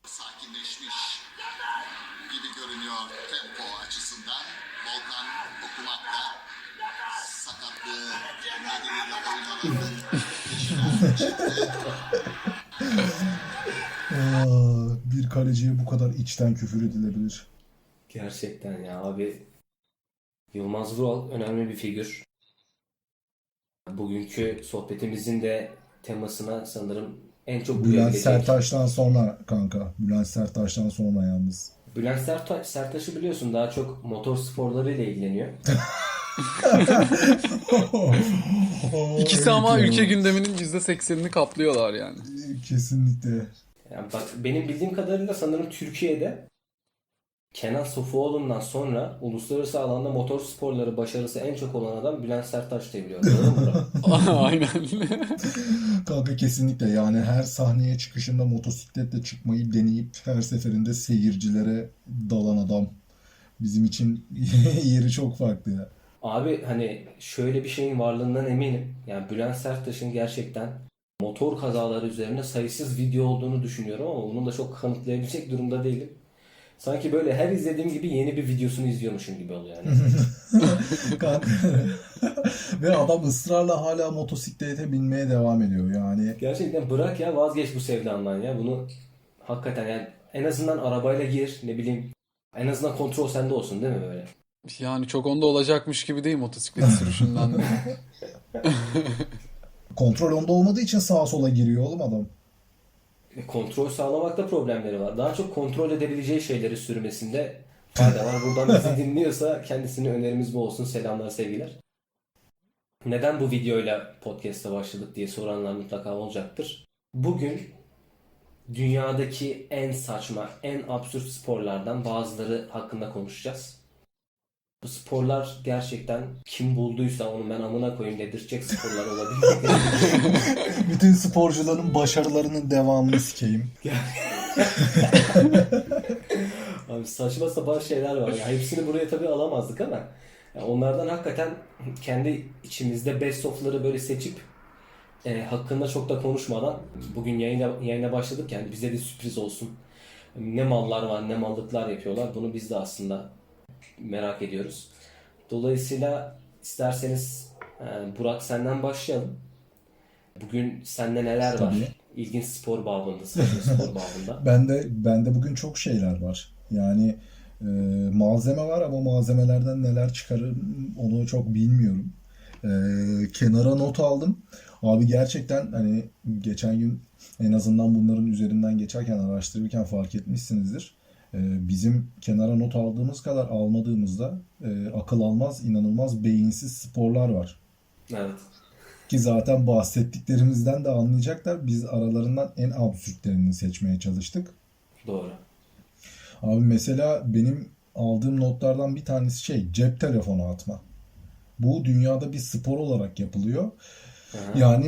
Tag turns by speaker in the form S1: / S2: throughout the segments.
S1: sakinleşmiş gibi görünüyor tempo açısından. Volkan okumakta sakatlığı nedeniyle oynanan
S2: bir kaleciye bu kadar içten küfür edilebilir.
S3: Gerçekten ya abi. Yılmaz Vural önemli bir figür. Bugünkü sohbetimizin de temasına sanırım en çok
S2: Bülent
S3: uyabilecek.
S2: Sertaç'tan sonra kanka. Bülent Sertaç'tan sonra yalnız.
S3: Bülent Sertaç'ı biliyorsun, daha çok motor sporlarıyla ilgileniyor.
S4: İkisi ama ülke gündeminin %80'ini kaplıyorlar yani.
S2: Kesinlikle.
S3: Yani bak, benim bildiğim kadarıyla sanırım Türkiye'de Kenan Sofuoğlu'ndan sonra uluslararası alanda motor sporları başarısı en çok olan adam Bülent Sertaç diye biliyorum. Doğru mu?
S4: Aynen.
S2: Kanka kesinlikle, yani her sahneye çıkışında motosikletle çıkmayı deneyip her seferinde seyircilere dalan adam. Bizim için yeri çok farklı ya.
S3: Abi hani şöyle bir şeyin varlığından eminim. Yani Bülent Serttaş'ın gerçekten motor kazaları üzerine sayısız video olduğunu düşünüyorum ama bunu da çok kanıtlayabilecek durumda değilim. Sanki böyle her izlediğim gibi yeni bir videosunu izliyormuşum gibi oluyor yani.
S2: Kanka. Ve adam ısrarla hala motosiklete binmeye devam ediyor yani.
S3: Gerçekten bırak ya, vazgeç bu sevdandan ya. Bunu hakikaten yani en azından arabayla gir, ne bileyim, en azından kontrol sende olsun değil mi böyle?
S4: Yani çok onda olacakmış gibi değil motosiklet sürüşünden de.
S2: Kontrol onda olmadığı için sağa sola giriyor oğlum adam.
S3: Kontrol sağlamakta problemleri var. Daha çok kontrol edebileceği şeyleri sürmesinde fayda var. Buradan bizi dinliyorsa kendisine önerimiz bu olsun. Selamlar, sevgiler. Neden bu videoyla podcast'a başladık diye soranlar mutlaka olacaktır. Bugün dünyadaki en saçma, en absürt sporlardan bazıları hakkında konuşacağız. Bu sporlar gerçekten kim bulduysa onu ben amına koyayım dedirtecek sporlar olabilir.
S2: Bütün sporcuların başarılarının devamını sikeyim.
S3: Abi saçma sapan şeyler var. Ya hepsini buraya tabii alamazdık ama ya onlardan hakikaten kendi içimizde best of'ları böyle seçip hakkında çok da konuşmadan bugün yayına başladık, yani bize de sürpriz olsun. Ne mallar var, ne mallıklar yapıyorlar. Bunu biz de aslında merak ediyoruz. Dolayısıyla isterseniz Burak, senden başlayalım. Bugün sende neler var?
S2: Tabii.
S3: İlginç spor babında, saçma spor babında.
S2: Bende bugün çok şeyler var. Yani malzeme var ama malzemelerden neler çıkarır onu çok bilmiyorum. Kenara not aldım. Abi gerçekten hani geçen gün en azından bunların üzerinden geçerken, araştırırken fark etmişsinizdir. Bizim kenara not aldığımız kadar almadığımızda akıl almaz, inanılmaz beyinsiz sporlar var.
S3: Evet.
S2: Ki zaten bahsettiklerimizden de anlayacaklar. Biz aralarından en absürtlerini seçmeye çalıştık.
S3: Doğru.
S2: Abi mesela benim aldığım notlardan bir tanesi cep telefonu atma. Bu dünyada bir spor olarak yapılıyor.
S3: Aha.
S2: Yani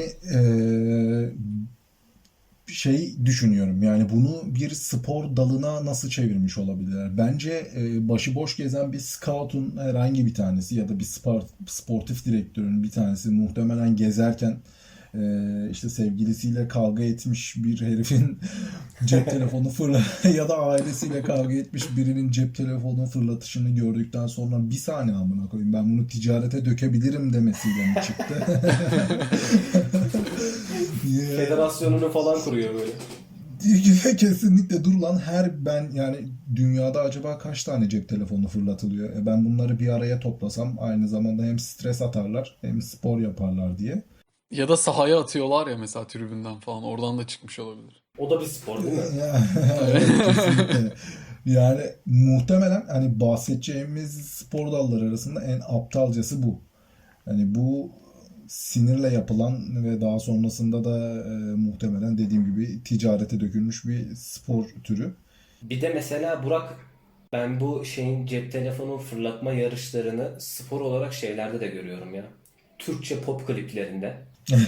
S2: düşünüyorum, yani bunu bir spor dalına nasıl çevirmiş olabilirler? Bence başıboş gezen bir scout'un herhangi bir tanesi ya da bir sportif direktörün bir tanesi muhtemelen gezerken işte sevgilisiyle kavga etmiş bir herifin cep telefonu ya da ailesiyle kavga etmiş birinin cep telefonu fırlatışını gördükten sonra bir saniye amına koyayım ben bunu ticarete dökebilirim demesiyle mi çıktı?
S3: Federasyonunu falan kuruyor böyle.
S2: Kesinlikle, dur lan, yani dünyada acaba kaç tane cep telefonu fırlatılıyor? Ben bunları bir araya toplasam aynı zamanda hem stres atarlar hem spor yaparlar diye.
S4: Ya da sahaya atıyorlar ya mesela tribünden falan. Oradan da çıkmış olabilir.
S3: O da bir spor değil mi?
S2: Evet, kesinlikle. Yani muhtemelen hani bahsedeceğimiz spor dalları arasında en aptalcası bu. Hani bu sinirle yapılan ve daha sonrasında da muhtemelen dediğim gibi ticarete dökülmüş bir spor türü.
S3: Bir de mesela Burak, ben bu cep telefonu fırlatma yarışlarını spor olarak şeylerde de görüyorum ya. Türkçe pop kliplerinde.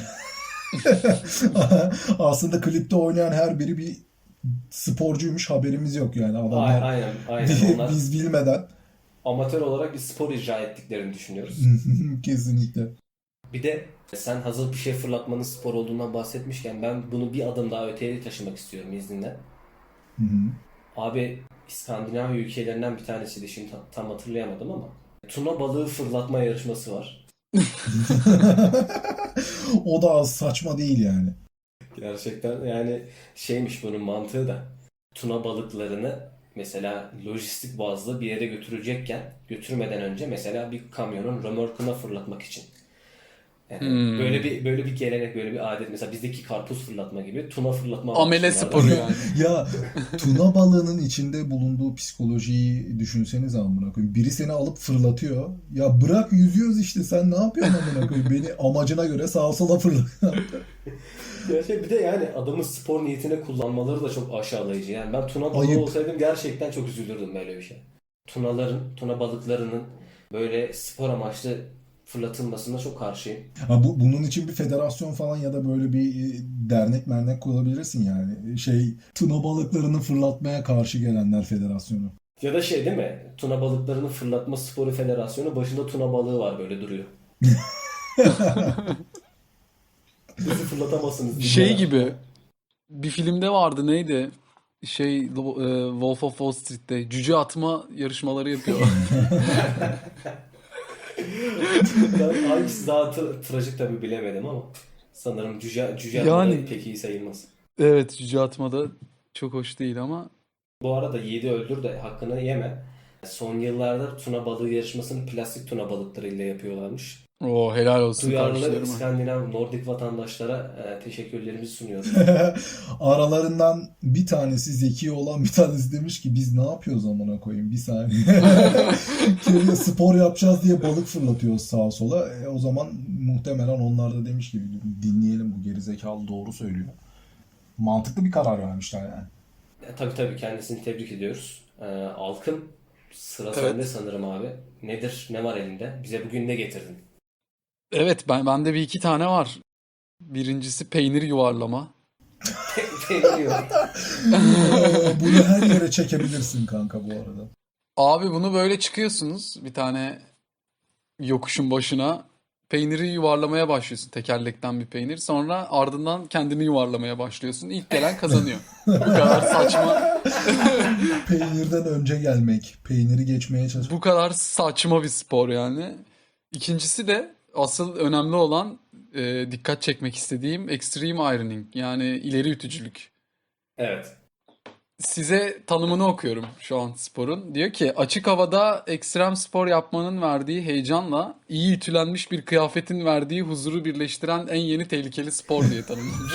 S2: Aslında klipte oynayan her biri bir sporcuymuş, haberimiz yok yani adamlar
S3: Aynen. Onlar
S2: biz bilmeden.
S3: amatör olarak bir spor icra ettiklerini düşünüyoruz.
S2: Kesinlikle.
S3: Bir de sen hazır bir şey fırlatmanın spor olduğundan bahsetmişken ben bunu bir adım daha öteye taşımak istiyorum izninle.
S2: Hı hı.
S3: Abi İskandinav ülkelerinden bir tanesiydi, şimdi tam hatırlayamadım ama. Tuna balığı fırlatma yarışması var.
S2: O da az saçma değil yani.
S3: Gerçekten yani şeymiş bunun mantığı da. Tuna balıklarını mesela lojistik bazlı bir yere götürecekken götürmeden önce mesela bir kamyonun römorkuna fırlatmak için.
S4: Hmm.
S3: Böyle bir gelenek, böyle bir adet. Mesela bizdeki karpuz fırlatma gibi tuna fırlatma
S4: Amele
S3: varmış
S4: sporu
S3: bunlarda.
S4: yani.
S2: Ya tuna balığının içinde bulunduğu psikolojiyi düşünsenize amına koyayım. Biri seni alıp fırlatıyor. Ya bırak yüzüyoruz işte sen ne yapıyorsun amına koyayım? Beni amacına göre sağa sola fırlat.
S3: Gerçekten bir de yani adamın spor niyetine kullanmaları da çok aşağılayıcı. Yani ben tuna balığı
S2: Ayıp.
S3: olsaydım gerçekten çok üzülürdüm böyle bir şey. Tuna balıklarının böyle spor amaçlı fırlatılmasına çok karşıyım.
S2: Ha, bunun için bir federasyon falan ya da böyle bir dernek mernek kurabilirsin yani. Tuna balıklarını fırlatmaya karşı gelenler federasyonu.
S3: Ya da şey değil mi? Tuna balıklarının fırlatma sporu federasyonu, başında tuna balığı var böyle duruyor. Bizi fırlatamazsınız
S4: Şey
S3: dinlemem.
S4: gibi bir filmde vardı, neydi? Wolf of Wall Street'te cüce atma yarışmaları yapıyorlar.
S3: Ben hangisi daha trajik tabii bilemedim ama sanırım cüce atma da
S4: Yani
S3: pek iyi sayılmaz.
S4: evet, cüce atma da çok hoş değil ama
S3: Bu arada yiğidi öldür de hakkını yeme. Son yıllarda tuna balığı yarışmasını plastik tuna balıklarıyla yapıyorlarmış.
S4: o helal olsun
S3: Duyarlı
S4: kardeşlerime.
S3: İskandinav, Nordik vatandaşlara teşekkürlerimizi sunuyoruz.
S2: Aralarından bir tanesi zeki olan bir tanesi demiş ki biz ne yapıyoruz amına koyayım bir saniye. Köyde spor yapacağız diye balık fırlatıyoruz sağa sola. O zaman muhtemelen onlar da demiş ki dinleyelim bu gerizekalı doğru söylüyor. Mantıklı bir karar vermişler yani.
S3: Tabii kendisini tebrik ediyoruz. Alkın, sıra sende
S4: Evet.
S3: sanırım abi. Nedir? Ne var elinde? Bize bugün ne getirdin?
S4: Evet, bende bir iki tane var. Birincisi peynir yuvarlama.
S3: Peynir yok.
S2: Bunu her yere çekebilirsin kanka bu arada.
S4: Abi bunu böyle çıkıyorsunuz bir tane yokuşun başına. Peyniri yuvarlamaya başlıyorsun. Tekerlekten bir peynir. Sonra ardından kendini yuvarlamaya başlıyorsun. İlk gelen kazanıyor. Bu kadar saçma.
S2: Peynirden önce gelmek, peyniri geçmeye çalış.
S4: Bu kadar saçma bir spor yani. İkincisi de asıl önemli olan, dikkat çekmek istediğim extreme ironing, yani ileri ütücülük.
S3: Evet.
S4: Size tanımını okuyorum şu an sporun. Diyor ki açık havada ekstrem spor yapmanın verdiği heyecanla iyi ütülenmiş bir kıyafetin verdiği huzuru birleştiren en yeni tehlikeli spor diye tanımlamış.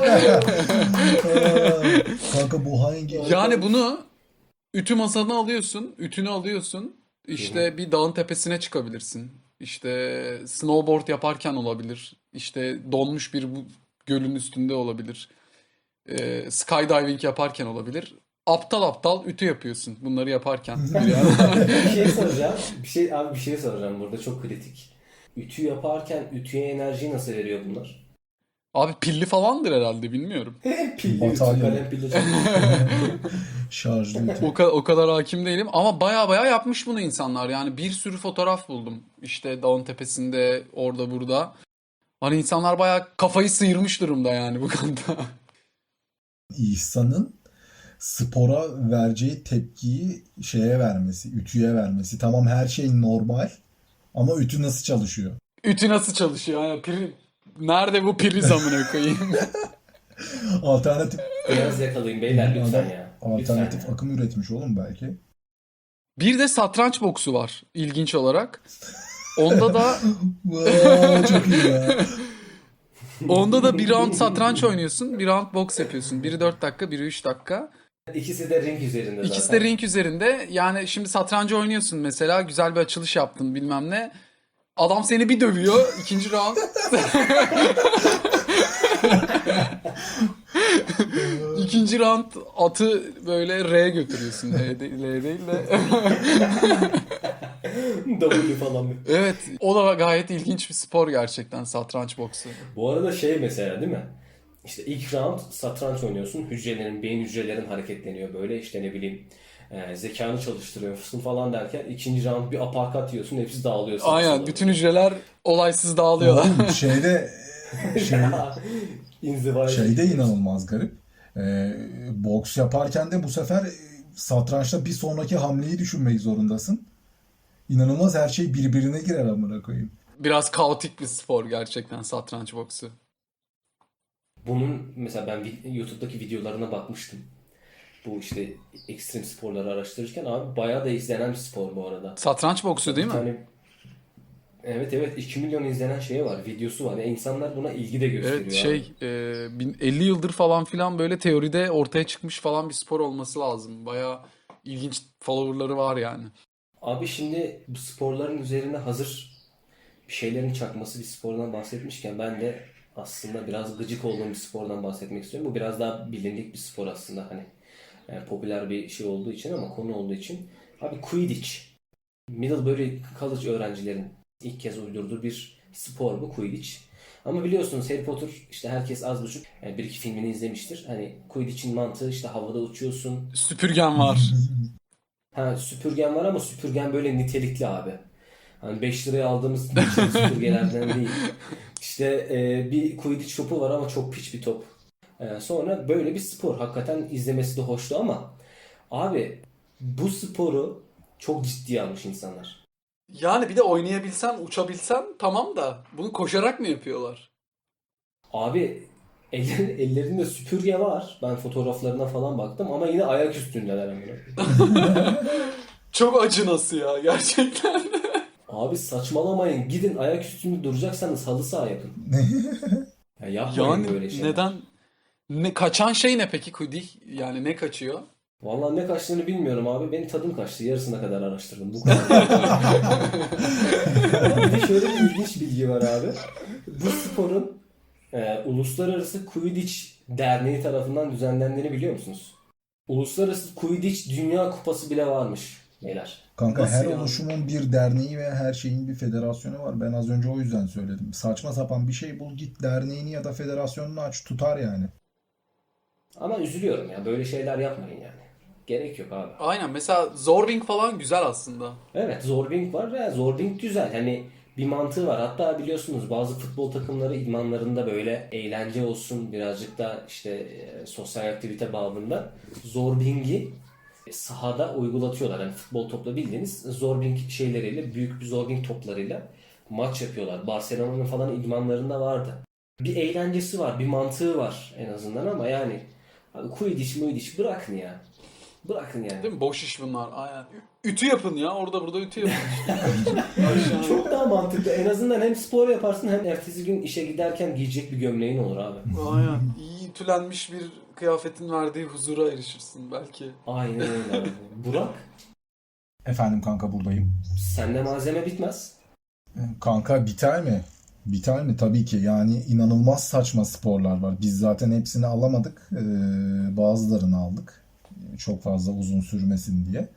S2: Kanka bu hangi?
S4: Yani bunu ütü masanı alıyorsun, ütünü alıyorsun. İşte bir dağın tepesine çıkabilirsin. İşte snowboard yaparken olabilir. İşte donmuş bir gölün üstünde olabilir. Skydiving yaparken olabilir. Aptal aptal ütü yapıyorsun bunları yaparken. Yani.
S3: Bir şey soracağım. Bir şey soracağım burada, çok kritik. Ütü yaparken ütüye enerji nasıl veriyor bunlar?
S4: Abi pilli falandır herhalde, bilmiyorum.
S3: Pilli ütü,
S2: Batarya.
S3: kalem pilli çok.
S2: Şarjlı ütü.
S4: O kadar hakim değilim ama baya yapmış bunu insanlar. Yani bir sürü fotoğraf buldum. İşte dağın tepesinde, orada burada. Hani insanlar baya kafayı sıyırmış durumda yani bu konuda.
S2: İhsan'ın spora vereceği tepkiyi şeye vermesi, ütüye vermesi. Tamam her şey normal ama ütü nasıl çalışıyor?
S4: Ütü nasıl çalışıyor? Yani nerede bu priz amına koyayım?
S2: Alternatif
S3: Biraz yakalayın beyler lütfen
S2: adam
S3: ya.
S2: alternatif
S3: Lütfen ya.
S2: akım üretmiş oğlum belki.
S4: Bir de satranç boksu var ilginç olarak. Onda da
S2: Çok iyi ya.
S4: bir round satranç oynuyorsun, bir round boks yapıyorsun. Biri 4 dakika, biri 3 dakika.
S3: İkisi de ring üzerinde zaten.
S4: İkisi de ring üzerinde. Yani şimdi satrancı oynuyorsun mesela, güzel bir açılış yaptın bilmem ne. Adam seni bir dövüyor, ikinci round. İkinci round atı böyle R'ye götürüyorsun. L değil de.
S3: W falan.
S4: Evet, o da gayet ilginç bir spor gerçekten, satranç boksu.
S3: Bu arada şey mesela değil mi? İşte ilk round satranç oynuyorsun. Beyin hücrelerin hareketleniyor böyle. İşte ne bileyim zekanı çalıştırıyorsun falan derken ikinci round bir aparkat yiyorsun. Hepsi dağılıyor. sağa
S4: Aynen,
S3: sola.
S4: bütün hücreler olaysız dağılıyorlar.
S2: Oğlum şeyde
S3: İnzivaya.
S2: inanılmaz garip. Boks yaparken de bu sefer satrançta bir sonraki hamleyi düşünmek zorundasın. İnanılmaz, her şey birbirine girer amına koyayım.
S4: Biraz kaotik bir spor gerçekten satranç boksu.
S3: Bunun mesela ben YouTube'daki videolarına bakmıştım. Bu işte ekstrem sporları araştırırken abi bayağı da izlenen bir spor bu arada.
S4: Satranç boksu değil
S3: Bir
S4: mi?
S3: tane evet 2 milyon izlenen şeyi var, videosu var. Yani insanlar buna ilgi de gösteriyor
S4: Evet
S3: abi.
S4: 50 yıldır falan filan böyle teoride ortaya çıkmış falan bir spor olması lazım. Bayağı ilginç followerları var yani.
S3: Abi şimdi bu sporların üzerine hazır bir şeylerin çakması bir spordan bahsetmişken ben de aslında biraz gıcık olduğum bir spordan bahsetmek istiyorum. Bu biraz daha bilindik bir spor aslında hani. Yani popüler bir şey olduğu için ama konu olduğu için. Abi Quidditch. Middlebury College öğrencilerin ilk kez uydurduğu bir spor bu Quidditch. Ama biliyorsunuz Harry Potter işte herkes az buçuk yani bir iki filmini izlemiştir. Hani Quidditch'in mantığı işte havada uçuyorsun.
S4: Süpürgen var.
S3: Ha süpürgen var ama süpürgen böyle nitelikli abi. Hani 5 liraya aldığımız geçen süpürgelerden değil. İşte bir Quidditch topu var ama çok piç bir top. Sonra böyle bir spor. Hakikaten izlemesi de hoştu ama abi bu sporu çok ciddiye almış insanlar.
S4: Yani bir de oynayabilsen, uçabilsen tamam da bunu koşarak mı yapıyorlar?
S3: Abi ellerinde süpürge var. Ben fotoğraflarına falan baktım ama yine ayak üstündeler amına.
S4: Çok acınası ya gerçekten.
S3: Abi saçmalamayın. Gidin ayak üstünde duracaksanız halı saha yapın. Ya yapmayın
S4: Yani
S3: böyle şeyler.
S4: neden? Kaçan şey ne peki Kudi? Yani ne kaçıyor?
S3: Vallahi ne kaçtığını bilmiyorum abi. Benim tadım kaçtı. Yarısına kadar araştırdım. Bu kadar. Bir de şöyle bir ilginç bilgi var abi. Bu sporun Uluslararası Quidditch Derneği tarafından düzenlendiğini biliyor musunuz? Uluslararası Quidditch Dünya Kupası bile varmış beyler.
S2: Kanka
S4: Nasıl
S2: her
S4: yani?
S2: oluşumun bir derneği ve her şeyin bir federasyonu var. Ben az önce o yüzden söyledim. Saçma sapan bir şey bul, git derneğini ya da federasyonunu aç, tutar yani.
S3: Ama üzülüyorum ya. Böyle şeyler yapmayın yani. Gerek yok abi.
S4: Aynen, mesela Zorbing falan güzel aslında.
S3: Evet Zorbing var ve Zorbing güzel. Hani bir mantığı var. Hatta biliyorsunuz bazı futbol takımları idmanlarında böyle eğlence olsun birazcık da işte sosyal aktivite babında Zorbing'i sahada uygulatıyorlar. Yani futbol topla bildiğiniz Zorbing şeyleriyle büyük bir Zorbing toplarıyla maç yapıyorlar. Barcelona'nın falan idmanlarında vardı. Bir eğlencesi var, bir mantığı var en azından ama yani abi Quidditch bırakın ya. Bırakın yani.
S4: Değil mi? Boş iş bunlar. Aynen. Ütü yapın ya. Orada burada ütü yapın işte. Aşağı.
S3: Çok daha mantıklı. En azından hem spor yaparsın hem ertesi gün işe giderken giyecek bir gömleğin olur abi.
S4: Aynen. İyi ütülenmiş bir kıyafetin verdiği huzura erişirsin belki.
S3: Aynen öyle abi. Burak,
S2: Efendim kanka, buradayım.
S3: sende malzeme bitmez.
S2: Kanka biter mi? Biter mi? Tabii ki. Yani inanılmaz saçma sporlar var. Biz zaten hepsini alamadık. Bazılarını aldık. Çok fazla uzun sürmesin diye.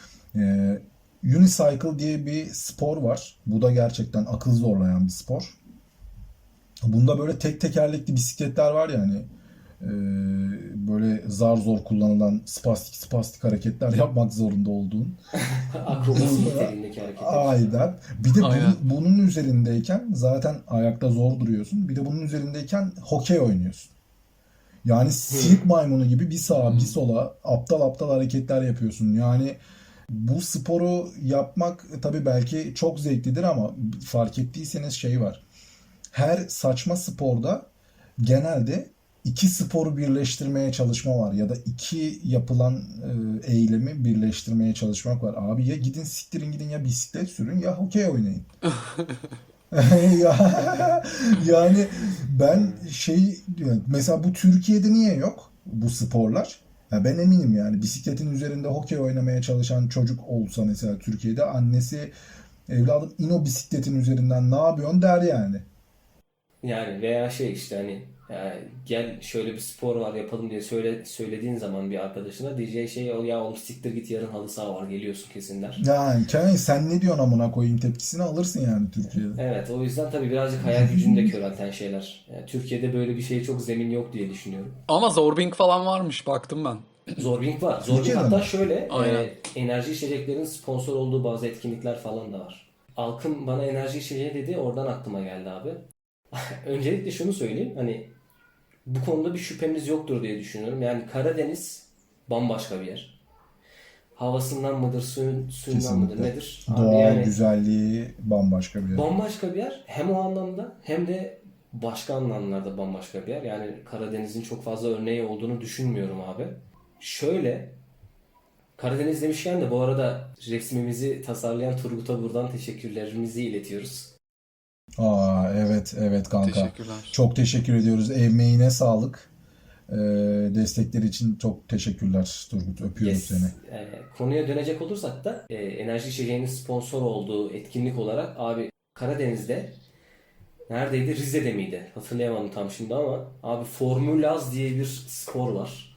S2: Unicycle diye bir spor var. Bu da gerçekten akıl zorlayan bir spor. Bunda böyle tek tekerlekli bisikletler var ya hani, böyle zar zor kullanılan spastik hareketler yapmak zorunda olduğun.
S3: Akrobasi niteliğindeki hareketler.
S2: Aynen. Bir de
S4: Aynen.
S2: bunun üzerindeyken zaten ayakta zor duruyorsun. Bir de bunun üzerindeyken hokey oynuyorsun. Yani sirk maymunu gibi bir sağa bir sola aptal aptal hareketler yapıyorsun. Yani bu sporu yapmak tabii belki çok zevklidir ama fark ettiyseniz şey var. Her saçma sporda genelde iki sporu birleştirmeye çalışma var ya da iki yapılan eylemi birleştirmeye çalışmak var. Abi ya gidin siktirin gidin, ya bisiklet sürün ya hokey oynayın. Yani ben şey diyorum, mesela bu Türkiye'de niye yok bu sporlar? Ya ben eminim yani bisikletin üzerinde hokey oynamaya çalışan çocuk olsa mesela Türkiye'de, annesi evladım in o bisikletin üzerinden ne yapıyorsun der yani.
S3: Yani veya şey işte hani gel şöyle bir spor var yapalım diye söylediğin zaman bir arkadaşına diyeceği şey o ya oğlum siktir git yarın halı saha var geliyorsun kesin der.
S2: Yani sen ne diyorsun amına koyayım tepkisini alırsın yani Türkiye'de.
S3: Evet o yüzden tabii birazcık hayal gücünü de körelten şeyler. Yani Türkiye'de böyle bir şeye çok zemin yok diye düşünüyorum.
S4: Ama Zorbing falan varmış, baktım ben.
S3: Zorbing var. Zorbing
S2: Türkiye'de
S3: hatta
S2: mi?
S3: şöyle
S4: Aynen.
S3: enerji içeceklerin sponsor olduğu bazı etkinlikler falan da var. Alkım bana enerji içeceği dedi oradan aklıma geldi abi. Öncelikle şunu söyleyeyim hani Bu konuda bir şüphemiz yoktur diye düşünüyorum. Yani Karadeniz bambaşka bir yer. Havasından mıdır, suyundan mıdır,
S2: Kesinlikle.
S3: nedir? Abi
S2: Doğal
S3: yani
S2: güzelliği bambaşka bir yer.
S3: bambaşka bir yer. Hem o anlamda hem de başka anlamlarda bambaşka bir yer. Yani Karadeniz'in çok fazla örneği olduğunu düşünmüyorum abi. Şöyle, Karadeniz demişken de bu arada resmimizi tasarlayan Turgut'a buradan teşekkürlerimizi iletiyoruz.
S2: Aa, evet evet kanka.
S4: Teşekkürler.
S2: Çok teşekkür ediyoruz. Emeğine sağlık. Destekleri için çok teşekkürler Turgut. Öpüyorum
S3: Yes.
S2: seni.
S3: Konuya dönecek olursak da enerji içeceğinin sponsor olduğu etkinlik olarak abi Karadeniz'de neredeydi? Rize'de miydi? Hatırlayamadım tam şimdi ama abi Formülaz diye bir spor var.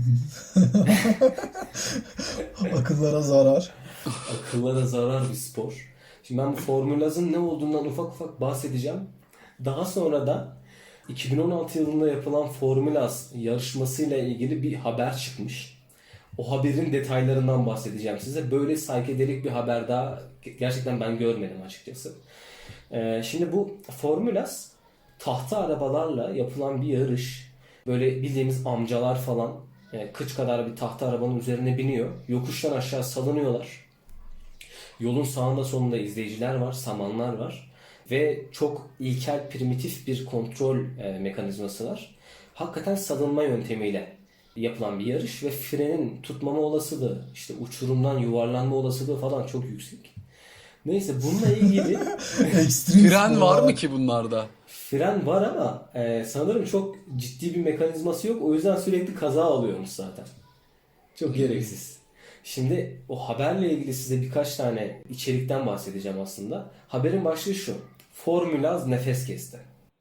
S2: Akıllara zarar.
S3: Akıllara zarar bir spor. Şimdi ben bu Formülaz'ın ne olduğundan ufak ufak bahsedeceğim. Daha sonra da 2016 yılında yapılan Formülaz yarışmasıyla ilgili bir haber çıkmış. O haberin detaylarından bahsedeceğim size. Böyle saykedelik bir haber daha gerçekten ben görmedim açıkçası. Şimdi bu Formülaz tahta arabalarla yapılan bir yarış. Böyle bildiğimiz amcalar falan kıç kadar bir tahta arabanın üzerine biniyor. Yokuştan aşağı salınıyorlar. Yolun sağında solunda izleyiciler var, samanlar var. Ve çok ilkel, primitif bir kontrol mekanizması var. Hakikaten salınma yöntemiyle yapılan bir yarış ve frenin tutmama olasılığı, işte uçurumdan yuvarlanma olasılığı falan çok yüksek. Neyse bununla ilgili
S2: Ekstrem
S4: Fren var
S2: sporlar.
S4: mı ki bunlarda?
S3: fren var ama sanırım çok ciddi bir mekanizması yok. O yüzden sürekli kaza alıyormuş zaten. Çok gereksiz. Şimdi o haberle ilgili size birkaç tane içerikten bahsedeceğim aslında. Haberin başlığı şu. Formülaz nefes kesti.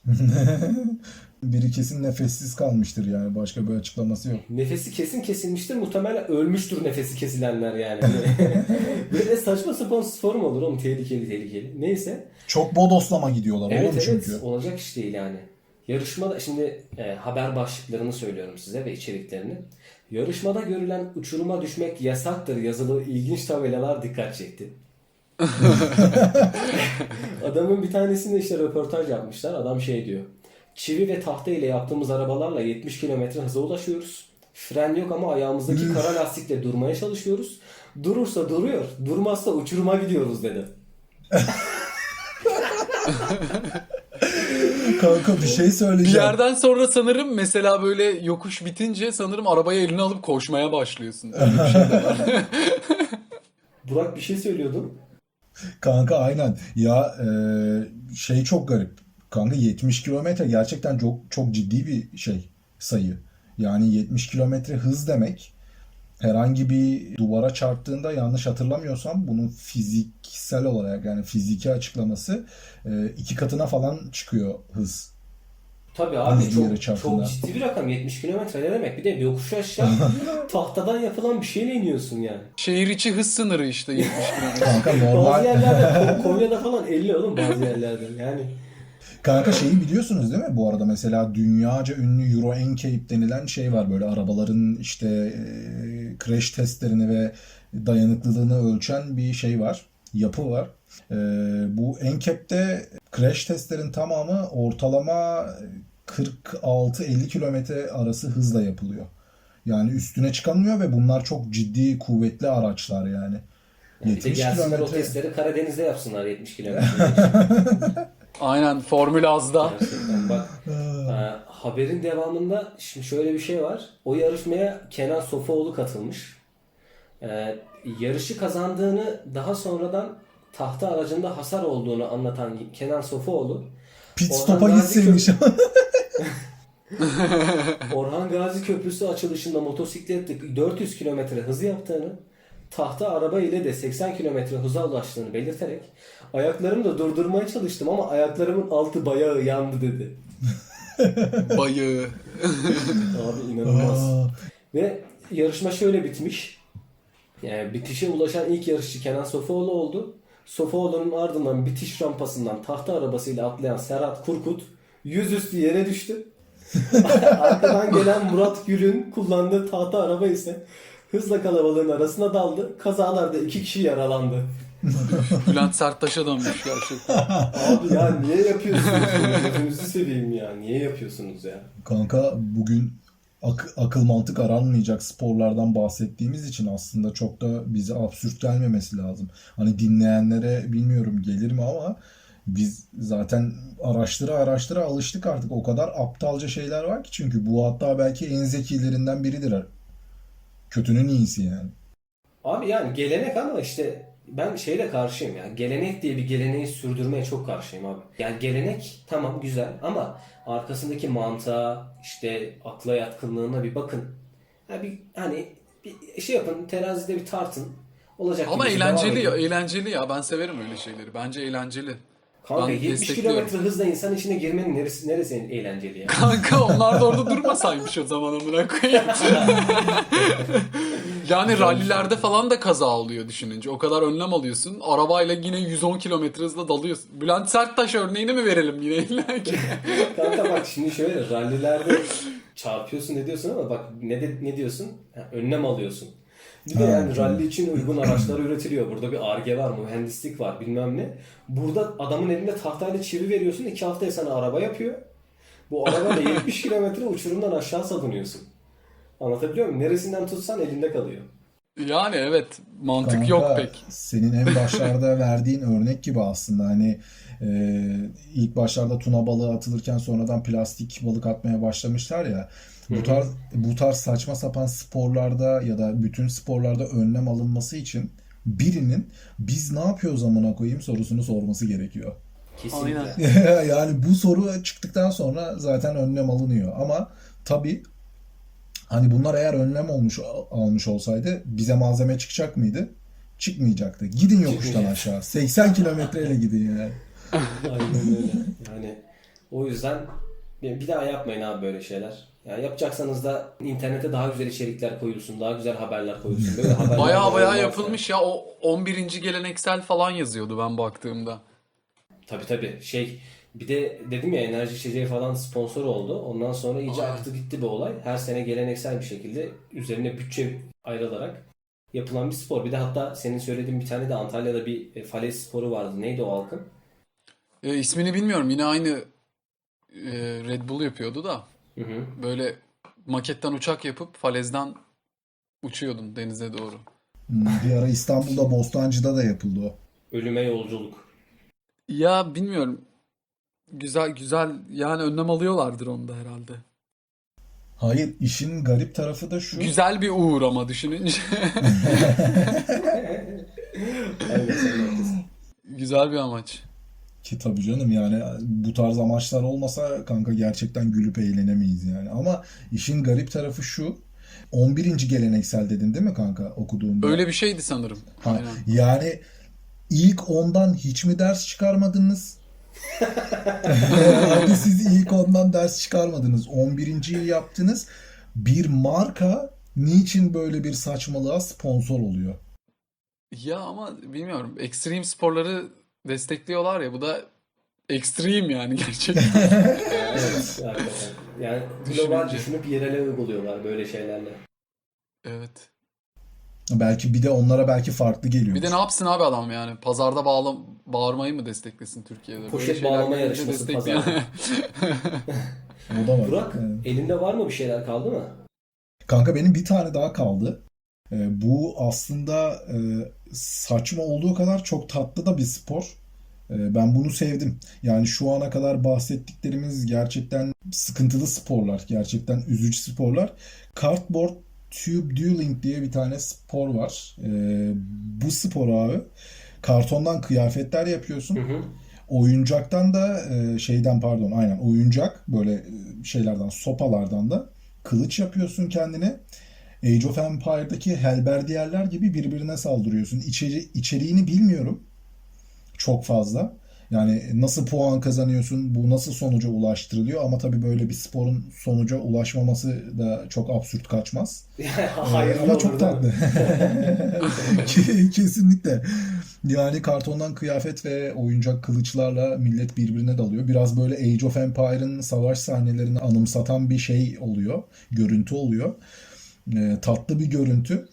S2: Biri kesin nefessiz kalmıştır yani. Başka bir açıklaması yok.
S3: Nefesi kesin kesilmiştir. Muhtemelen ölmüştür nefesi kesilenler yani. Böyle saçma sapan spor mu olur oğlum? Tehlikeli. Neyse.
S2: Çok bodoslama gidiyorlar
S3: Evet
S2: oğlum
S3: evet,
S2: çünkü.
S3: olacak iş değil yani. Yarışmada şimdi haber başlıklarını söylüyorum size ve içeriklerini. Yarışmada görülen uçuruma düşmek yasaktır yazılı ilginç tabelalar dikkat çekti. Adamın bir tanesinde işte röportaj yapmışlar. Adam şey diyor. Çivi ve tahta ile yaptığımız arabalarla 70 kilometre hıza ulaşıyoruz. Fren yok ama ayağımızdaki kara lastikle durmaya çalışıyoruz. Durursa duruyor, durmazsa uçuruma gidiyoruz dedi.
S2: Kanka bir şey
S4: Bir
S2: söyleyeceğim.
S4: yerden sonra sanırım mesela böyle yokuş bitince sanırım arabayı eline alıp koşmaya başlıyorsun. Öyle bir şey de var.
S3: Burak bir şey söylüyordun.
S2: Kanka aynen. Ya şey çok garip. Kanka 70 kilometre gerçekten çok çok ciddi bir sayı. Yani 70 kilometre hız demek herhangi bir duvara çarptığında yanlış hatırlamıyorsam bunun fiziksel olarak yani fiziki açıklaması 2 katına falan çıkıyor hız.
S3: Tabii abi
S2: Hızlı yere
S3: çok
S2: çarptığında.
S3: ciddi bir rakam. 70 kilometre ne demek? Bir de yokuş aşağı tahtadan yapılan bir şeyle iniyorsun yani.
S4: Şehir içi hız sınırı işte 70 km.
S2: Kanka
S3: Bazı
S2: normal.
S3: yerlerde Konya'da falan 50 oğlum bazı yerlerde yani.
S2: Kanka şeyi biliyorsunuz değil mi? Bu arada mesela dünyaca ünlü Euro NCAP denilen şey var. Böyle arabaların işte crash testlerini ve dayanıklılığını ölçen bir şey var. Yapı var. Bu NCAP'te crash testlerin tamamı ortalama 46-50 kilometre arası hızla yapılıyor. Yani üstüne çıkamıyor ve bunlar çok ciddi kuvvetli araçlar yani.
S3: Bir de
S2: 70
S3: gelsinler o
S2: kilometre.
S3: testleri Karadeniz'de yapsınlar 70 kilometre.
S4: Aynen Formül Az'da.
S3: Gerçekten bak. Haberin devamında şimdi şöyle bir şey var. O yarışmaya Kenan Sofuoğlu katılmış. Yarışı kazandığını daha sonradan tahta aracında hasar olduğunu anlatan Kenan Sofuoğlu
S2: Pit
S3: Orhan
S2: stop'a
S3: Gazi
S2: gitseymiş.
S3: Orhan Gazi Köprüsü açılışında motosikletle 400 kilometre hız yaptığını, tahta araba ile de 80 kilometre hıza ulaştığını belirterek ayaklarımı da durdurmaya çalıştım ama ayaklarımın altı bayağı yandı dedi.
S4: Bayığı.
S3: Abi inanılmaz.
S2: Aa,
S3: Ve yarışma şöyle bitmiş. Yani bitişe ulaşan ilk yarışçı Kenan Sofuoğlu oldu. Sofuoğlu'nun ardından bitiş rampasından tahta arabasıyla atlayan Serhat Kurkut yüzüstü yere düştü. Arkadan gelen Murat Gül'ün kullandığı tahta araba ise hızla kalabalığın arasına daldı. Kazalarda 2 kişi yaralandı.
S4: Bülent Serttaş'a dönmüş gerçekten.
S3: Abi ya niye yapıyorsunuz bunu? Gözünüzü seveyim ya. Niye yapıyorsunuz ya?
S2: Kanka bugün akıl mantık aranmayacak sporlardan bahsettiğimiz için aslında çok da bize absürt gelmemesi lazım. Hani dinleyenlere bilmiyorum gelir mi ama biz zaten araştıra alıştık artık. O kadar aptalca şeyler var ki çünkü bu hatta belki en zekilerinden biridir. Kötünün iyisi yani.
S3: Abi yani gelenek ama işte ben şeyle karşıyım ya. Gelenek diye bir geleneği sürdürmeye çok karşıyım abi. Yani gelenek tamam güzel ama arkasındaki mantığa işte akla yatkınlığına bir bakın. Ha bir hani bir şey yapın terazide bir tartın. Olacak
S4: Ama
S3: gibi devam
S4: eğlenceli ya,
S3: edin.
S4: eğlenceli ya. Ben severim öyle şeyleri. Bence eğlenceli.
S3: Kanka
S4: Ben
S3: 70
S4: destekliyorum.
S3: kilometre hızla insan içine girmenin neresi eğlenceli ya?
S4: Kanka onlar da orada durmasaymış o zaman amına koyayım. Yani rallilerde falan da kaza oluyor düşününce. O kadar önlem alıyorsun. Arabayla yine 110 kilometre hızla dalıyorsun. Bülent Serttaş örneğini mi verelim yine illa ki?
S3: Kanka bak şimdi şöyle rallilerde çarpıyorsun ne diyorsun ama bak ne diyorsun? Ha, önlem alıyorsun. Bir de
S2: Ha,
S3: yani
S2: tamam.
S3: ralli için uygun araçlar üretiliyor. Burada bir Ar-Ge var, mühendislik var bilmem ne. Burada adamın elinde tahtayla çivi veriyorsun 2 haftaya sana araba yapıyor. Bu arabayla 70 kilometre uçurumdan aşağı salınıyorsun. Anlatabiliyor muyum? Neresinden tutsan elinde kalıyor.
S4: Yani evet, mantık yok
S2: Kanka
S4: pek.
S2: senin en başlarda verdiğin örnek gibi aslında hani ilk başlarda tuna balığı atılırken sonradan plastik balık atmaya başlamışlar ya.
S3: Hı
S2: Bu
S3: hı.
S2: tarz bu tarz saçma sapan sporlarda ya da bütün sporlarda önlem alınması için birinin biz ne yapıyoruz amına koyayım sorusunu sorması gerekiyor.
S4: Aynen.
S3: Kesinlikle.
S2: Yani bu soru çıktıktan sonra zaten önlem alınıyor. Ama tabii hani bunlar eğer önlem almış olsaydı bize malzeme çıkacak mıydı? Çıkmayacaktı. Gidin yokuştan
S3: Çıkmayacak.
S2: aşağı. 80 kilometreyle gidin yani.
S3: Aynen öyle. Yani o yüzden bir daha yapmayın abi böyle şeyler. Yani yapacaksanız da internete daha güzel içerikler koyulsun, daha güzel haberler koyulsun. Böyle haberler
S4: Baya baya
S3: olmaz yani.
S4: yapılmış ya. O 11. geleneksel falan yazıyordu ben baktığımda.
S3: Tabii. Bir de dedim ya enerji içeceği falan sponsor oldu. Ondan sonra iyice
S4: Aynen.
S3: aktı gitti bu olay. Her sene geleneksel bir şekilde üzerine bütçe ayrılarak yapılan bir spor. Bir de hatta senin söylediğin bir tane de Antalya'da bir falez sporu vardı. Neydi o halkın?
S4: İsmini bilmiyorum. Yine aynı Red Bull yapıyordu da.
S3: Hı hı.
S4: Böyle maketten uçak yapıp falezden uçuyordun denize doğru.
S2: Bir ara İstanbul'da Bostancı'da da yapıldı o.
S3: Ölüme yolculuk.
S4: Ya bilmiyorum. Güzel güzel yani önlem alıyorlardır onda herhalde.
S2: Hayır, işin garip tarafı da şu.
S4: Güzel bir uğur ama düşününce.
S3: Aynen sen de haklısın.
S4: Güzel bir amaç.
S2: Ki tabii canım yani bu tarz amaçlar olmasa kanka gerçekten gülüp eğlenemeyiz yani. Ama işin garip tarafı şu. 11. geleneksel dedin değil mi kanka okuduğunda?
S4: Öyle bir şeydi sanırım.
S2: Ha,
S4: Aynen.
S2: yani ilk ondan hiç mi ders çıkarmadınız? Hadi siz ilk ondan ders çıkarmadınız. 11.yi yaptınız. Bir marka niçin böyle bir saçmalığa sponsor oluyor?
S4: Ya ama bilmiyorum. Ekstrem sporları destekliyorlar ya. Bu da ekstrem yani gerçekten.
S3: Evet, hakikaten. Yani global
S4: Düşününce.
S3: düşünüp yerele uyguluyorlar böyle şeylerle.
S4: Evet.
S2: Belki bir de onlara belki farklı
S4: Bir de
S2: geliyordur.
S4: ne yapsın abi adam yani? Pazarda bağırmayı mı desteklesin Türkiye'de? Böyle
S3: Poşet
S4: şeyler
S3: bağlama
S4: gelince
S3: yarışması
S4: destekleyen.
S3: pazarda.
S2: O da var.
S3: Burak,
S2: Evet.
S3: elinde var mı bir şeyler kaldı mı?
S2: Kanka benim bir tane daha kaldı. Bu aslında saçma olduğu kadar çok tatlı da bir spor. Ben bunu sevdim. Yani şu ana kadar bahsettiklerimiz gerçekten sıkıntılı sporlar. Gerçekten üzücü sporlar. Cardboard Tube Dueling diye bir tane spor var. Bu spor abi kartondan kıyafetler
S3: Hı
S2: yapıyorsun.
S3: hı.
S2: Oyuncaktan da şeyden pardon aynen oyuncak böyle şeylerden sopalardan da kılıç yapıyorsun kendine. Age of Empire'daki Helberdiyerler gibi birbirine saldırıyorsun. İçeriğini bilmiyorum çok fazla. Yani nasıl puan kazanıyorsun, bu nasıl sonuca ulaştırılıyor ama tabii böyle bir sporun sonuca ulaşmaması da çok absürt kaçmaz.
S3: Hayırlı
S2: Ama
S3: olur
S2: çok
S3: değil mi?
S2: tatlı. Kesinlikle. Yani kartondan kıyafet ve oyuncak kılıçlarla millet birbirine dalıyor. Biraz böyle Age of Empire'ın savaş sahnelerini anımsatan bir şey oluyor. Görüntü oluyor. Tatlı bir görüntü.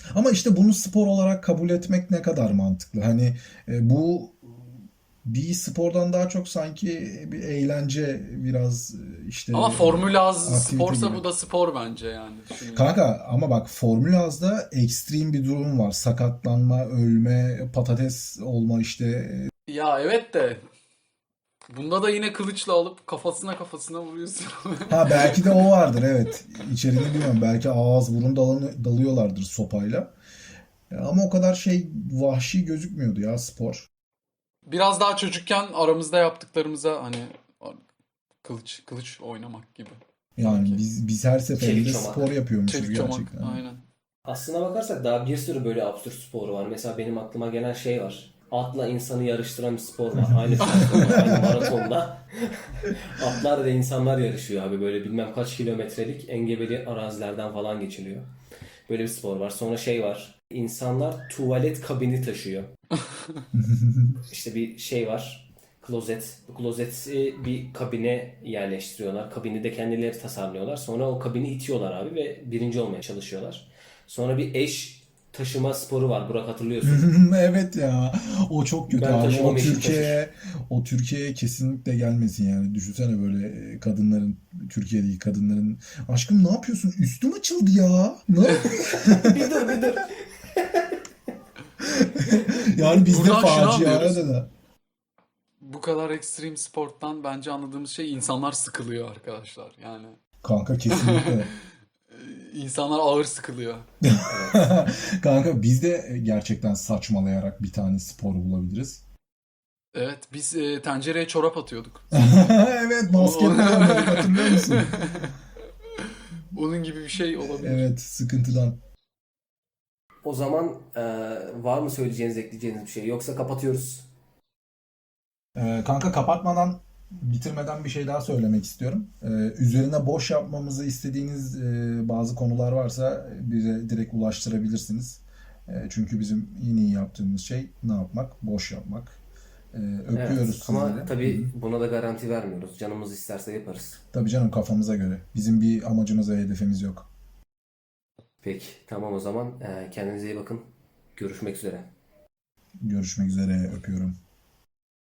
S2: Ama işte bunu spor olarak kabul etmek ne kadar mantıklı? Hani bu bir spordan daha çok sanki bir eğlence, biraz
S4: Ama
S2: işte
S4: Formula Az
S2: aktivite
S4: sporsa
S2: gibi.
S4: bu da spor bence yani düşününce.
S2: Kanka ama bak, Formula Az'da ekstrem bir durum var. Sakatlanma, ölme, patates olma işte.
S4: Ya evet de bunda da yine kılıçla alıp kafasına vuruyorsun.
S2: Ha, belki de o vardır, evet. İçeriğini bilmiyorum. Belki ağız burun dalıyorlardır sopayla. Ama o kadar şey vahşi gözükmüyordu ya spor.
S4: Biraz daha çocukken aramızda yaptıklarımıza hani kılıç oynamak gibi
S2: Yani
S4: sanki.
S2: biz her
S3: Çelik
S2: seferinde spor
S3: çomak.
S2: yapıyormuşuz
S4: Çelik çomak
S2: gerçekten.
S4: aynen.
S3: Aslına bakarsak daha bir sürü böyle absürt sporu var. Mesela benim aklıma gelen şey var. Atla insanı yarıştıran bir spor var. Aynı platformda, aynı maratonda. Atlar ve insanlar yarışıyor abi. Böyle bilmem kaç kilometrelik engebeli arazilerden falan geçiliyor. Böyle bir spor var. Sonra şey var. İnsanlar tuvalet kabini taşıyor. İşte bir şey var. Klozet. Bu klozeti bir kabine yerleştiriyorlar. Kabini de kendileri tasarlıyorlar. Sonra o kabini itiyorlar abi ve birinci olmaya çalışıyorlar. Sonra bir eş taşıma sporu var. Burak hatırlıyorsun.
S2: Evet ya. O çok kötü
S3: Ben
S2: abi.
S3: taşımam eşim taşır.
S2: O Türkiye'ye kesinlikle gelmesin yani. Düşünsene böyle kadınların, Türkiye'deki kadınların, aşkım ne yapıyorsun? Üstüm açıldı ya. Ne?
S3: Bir dur bir dur.
S2: Yani bizde
S4: Buradan şunu
S2: facia
S4: anlıyoruz.
S2: da.
S4: Bu kadar ekstrem sporttan bence anladığımız şey insanlar sıkılıyor arkadaşlar. Yani
S2: Kanka kesinlikle.
S4: insanlar ağır sıkılıyor.
S3: Evet.
S2: Kanka biz de gerçekten saçmalayarak bir tane spor bulabiliriz.
S4: Evet biz tencereye çorap atıyorduk.
S2: Evet,
S4: O- o-
S2: basketbol oynadık, hatırlıyor musun?
S4: Onun gibi bir şey olabilir.
S2: Evet, sıkıntıdan.
S3: O zaman var mı söyleyeceğiniz, ekleyeceğiniz bir şey? Yoksa kapatıyoruz.
S2: Kanka kapatmadan, bitirmeden bir şey daha söylemek istiyorum. Üzerine boş yapmamızı istediğiniz bazı konular varsa bize direkt ulaştırabilirsiniz. Çünkü bizim en iyi yaptığımız şey ne yapmak? Boş yapmak.
S3: Evet.
S2: Öpüyoruz sizleri.
S3: Ama
S2: Hı hı.
S3: tabii buna da garanti vermiyoruz. Canımız isterse yaparız.
S2: Tabii canım, kafamıza göre. Bizim bir amacımız ve hedefimiz yok.
S3: Peki. Tamam o zaman. Kendinize iyi bakın. Görüşmek üzere.
S2: Görüşmek üzere, öpüyorum.